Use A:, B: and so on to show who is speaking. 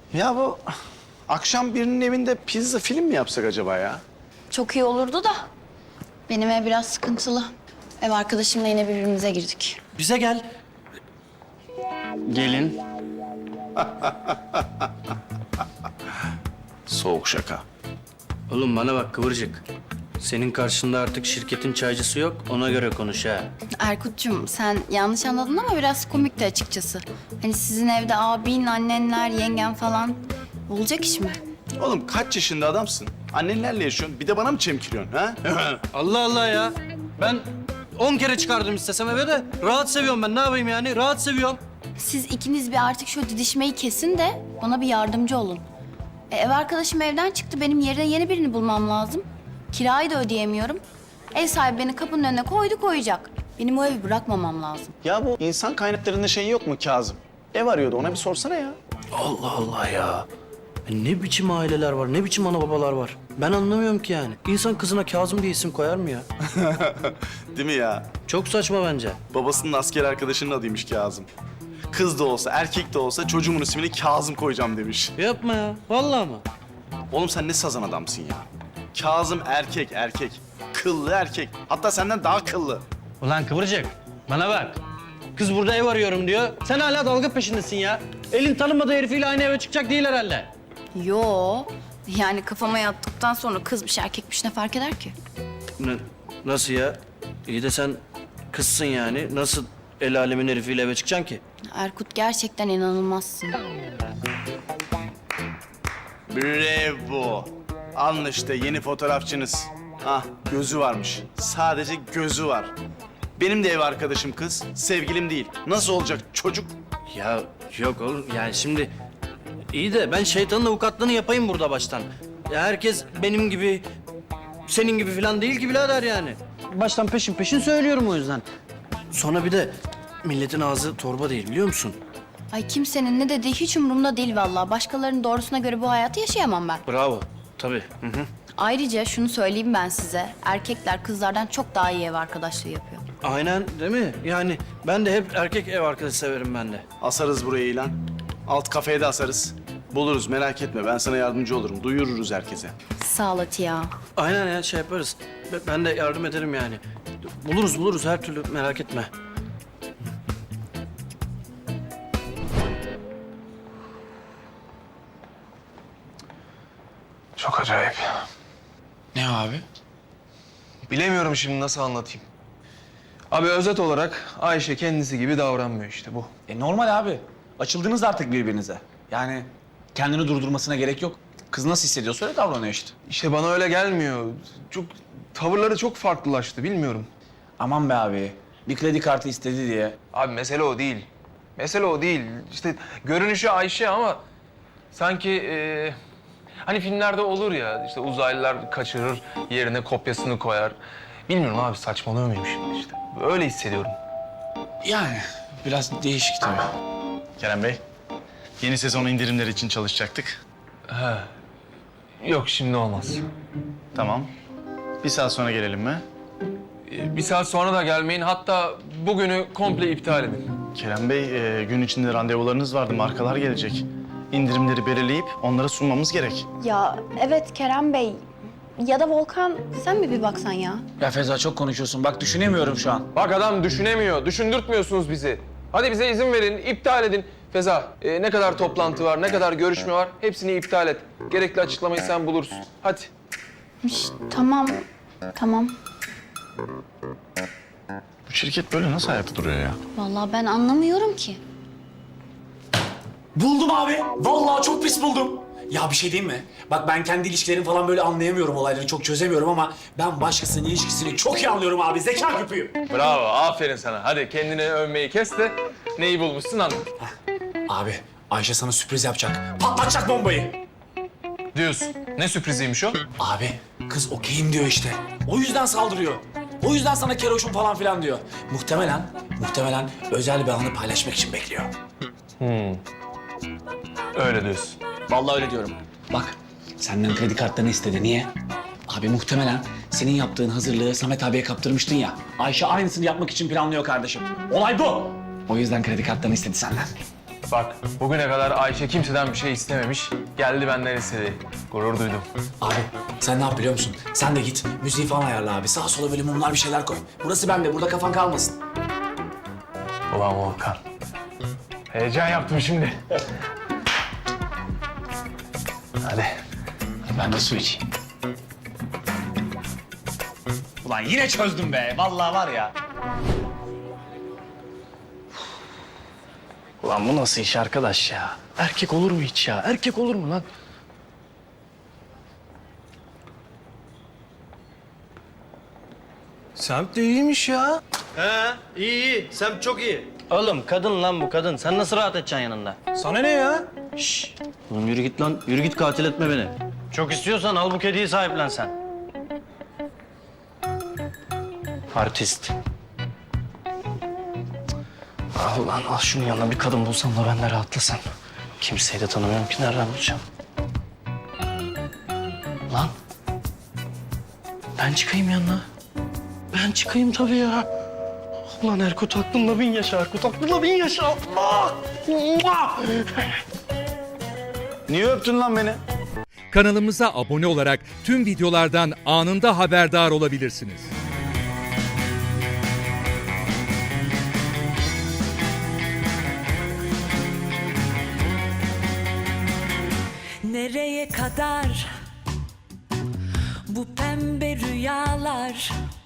A: Ya bu akşam birinin evinde pizza film mi yapsak acaba ya?
B: Çok iyi olurdu da. Benim ev biraz sıkıntılı. Ev arkadaşımla yine birbirimize girdik.
C: Bize gel.
A: Gelin. Soğuk şaka.
C: Oğlum bana bak Kıvırcık. Senin karşında artık şirketin çaycısı yok. Ona göre konuş ha.
B: Erkut'cum sen yanlış anladın ama biraz komikti açıkçası. Hani sizin evde abin, annenler, yengen falan olacak iş mi?
A: Oğlum kaç yaşında adamsın? Annenlerle yaşıyorsun. Bir de bana mı çemkiriyorsun ha?
C: Allah Allah ya. Ben 10 kere çıkardım istesem eve de. Rahat seviyorum ben. Ne yapayım yani? Rahat seviyorum.
B: Siz ikiniz bir artık şu didişmeyi kesin de bana bir yardımcı olun. Ev arkadaşım evden çıktı. Benim yerine yeni birini bulmam lazım. Kirayı da ödeyemiyorum. Ev sahibi beni kapının önüne koyacak. Benim o evi bırakmamam lazım.
A: Ya bu insan kaynaklarında şey yok mu Kazım? Ev arıyordu, ona bir sorsana ya.
C: Allah Allah ya. Ne biçim aileler var, ne biçim ana babalar var. Ben anlamıyorum ki yani. İnsan kızına Kazım diye isim koyar mı ya?
A: Değil mi ya?
C: Çok saçma bence.
A: Babasının asker arkadaşının adıymış Kazım. Kız da olsa, erkek de olsa çocuğumun ismini Kazım koyacağım demiş.
C: Yapma ya. Vallahi mı?
A: Oğlum sen ne sazan adamsın ya. Kazım erkek. Kıllı erkek. Hatta senden daha kıllı.
C: Ulan Kıvırcık, bana bak. Kız burada ev arıyorum diyor. Sen hala dalga peşindesin ya. Elin tanımadığı herifiyle aynı eve çıkacak değil herhalde.
B: Yo. Yani kafama yattıktan sonra kızmış erkekmiş ne fark eder ki?
C: Nasıl ya? İyi de sen kızsın yani. Nasıl el alemin herifiyle eve çıkacaksın ki?
B: Erkut gerçekten inanılmazsın.
A: Bravo. Alın işte yeni fotoğrafçınız. Ah gözü varmış. Sadece gözü var. Benim de ev arkadaşım kız. Sevgilim değil. Nasıl olacak çocuk?
C: Ya yok oğlum yani şimdi iyi de ben şeytanın avukatlığını yapayım burada baştan. Ya herkes benim gibi, senin gibi falan değil ki birader yani. Baştan peşin söylüyorum o yüzden. Sonra bir de milletin ağzı torba değil biliyor musun?
B: Ay kimsenin ne dediği hiç umurumda değil vallahi. Başkalarının doğrusuna göre bu hayatı yaşayamam ben.
C: Bravo. Tabii. Hı hı.
B: Ayrıca şunu söyleyeyim ben size. Erkekler kızlardan çok daha iyi ev arkadaşlığı yapıyor.
C: Aynen değil mi? Yani ben de hep erkek ev arkadaşı severim ben de.
A: Asarız buraya ilan. Alt kafeye de asarız. Buluruz merak etme. Ben sana yardımcı olurum. Duyururuz herkese.
B: Sağ ol Atiye.
C: Aynen ya şey yaparız. Ben de yardım ederim yani. Buluruz her türlü merak etme.
D: Çok acayip.
E: Ne abi?
D: Bilemiyorum şimdi nasıl anlatayım. Abi özet olarak Ayşe kendisi gibi davranmıyor işte bu.
E: Normal abi. Açıldınız artık birbirinize. Yani kendini durdurmasına gerek yok. Kız nasıl hissediyorsa öyle davranıyor işte.
D: İşte bana öyle gelmiyor. Çok tavırları çok farklılaştı bilmiyorum.
E: Aman be abi. Bir kredi kartı istedi diye.
D: Abi mesele o değil. Mesele o değil. İşte görünüşü Ayşe ama sanki hani filmlerde olur ya işte uzaylılar kaçırır yerine kopyasını koyar. Bilmiyorum abi saçmalıyor muyum şimdi işte. Öyle hissediyorum.
E: Yani biraz değişik tabii.
A: Kerem Bey, yeni sezon indirimleri için çalışacaktık.
D: Yok şimdi olmaz.
A: Tamam. Bir saat sonra gelelim mi?
D: Bir saat sonra da gelmeyin. Hatta bugünü komple iptal edin.
A: Kerem Bey, gün içinde randevularınız vardı. Markalar gelecek. İndirimleri belirleyip onlara sunmamız gerek.
B: Ya evet Kerem Bey. Ya da Volkan sen mi bir baksan ya?
E: Ya Feza çok konuşuyorsun. Bak düşünemiyorum şu an.
D: Bak adam düşünemiyor. Düşündürtmüyorsunuz bizi. Hadi bize izin verin, iptal edin. Feza, ne kadar toplantı var, ne kadar görüşme var hepsini iptal et. Gerekli açıklamayı sen bulursun. Hadi.
B: Tamam.
A: Bu şirket böyle nasıl ayakta duruyor ya?
B: Vallahi ben anlamıyorum ki.
F: Buldum abi. Vallahi çok pis buldum. Ya bir şey diyeyim mi? Bak ben kendi ilişkilerimi falan böyle anlayamıyorum, olayları çok çözemiyorum ama ben başkasının ilişkisini çok iyi anlıyorum abi. Zeka küpüyüm.
D: Bravo, aferin sana. Hadi kendini övmeyi kes de neyi bulmuşsun anlat.
F: Abi Ayşe sana sürpriz yapacak. Patlatacak bombayı.
D: Diyorsun. Ne sürpriziymiş o?
F: Abi kız okeyim diyor işte. O yüzden saldırıyor. O yüzden sana keroşum falan filan diyor. Muhtemelen özel bir anı paylaşmak için bekliyor.
D: Öyle diyorsun.
F: Vallahi öyle diyorum. Bak senden kredi kartlarını istedi. Niye? Abi muhtemelen senin yaptığın hazırlığı Samet abiye kaptırmıştın ya. Ayşe aynısını yapmak için planlıyor kardeşim. Olay bu. O yüzden kredi kartlarını istedi senden.
D: Bak bugüne kadar Ayşe kimseden bir şey istememiş. Geldi benden istedi. Gurur duydum.
F: Abi sen ne yap biliyor musun? Sen de git müziği falan ayarla abi. Sağa sola böyle mumlar bir şeyler koy. Burası bende, burada kafan kalmasın.
D: Ulan Volkan. Heyecan yaptım şimdi. Hadi.
E: Ben de su içeyim. Ulan yine çözdüm be. Vallahi var ya.
C: Ulan bu nasıl iş arkadaş ya? Erkek olur mu hiç ya? Erkek olur mu lan? Semt de iyiymiş ya. He, iyi. Semt çok iyi. Oğlum kadın lan bu kadın. Sen nasıl rahat edeceksin yanında? Sana ne ya? Şşş. Oğlum yürü git lan. Yürü git, katil etme beni. Çok istiyorsan al bu kediyi sahiplen sen. Artist. Al lan al, şunun yanına bir kadın bulsam da ben de rahatlasam. Kimseyi de tanımıyorum ki, nereden bulacağım? Lan. Ben çıkayım yanına. Ben çıkayım tabii ya. Ulan Erkut aklımla 1000 yaşa, Erkut aklımla 1000 yaşa. Allah! Allah!
A: Niye öptün lan beni?
G: Kanalımıza abone olarak tüm videolardan anında haberdar olabilirsiniz.
H: Nereye kadar bu pembe rüyalar?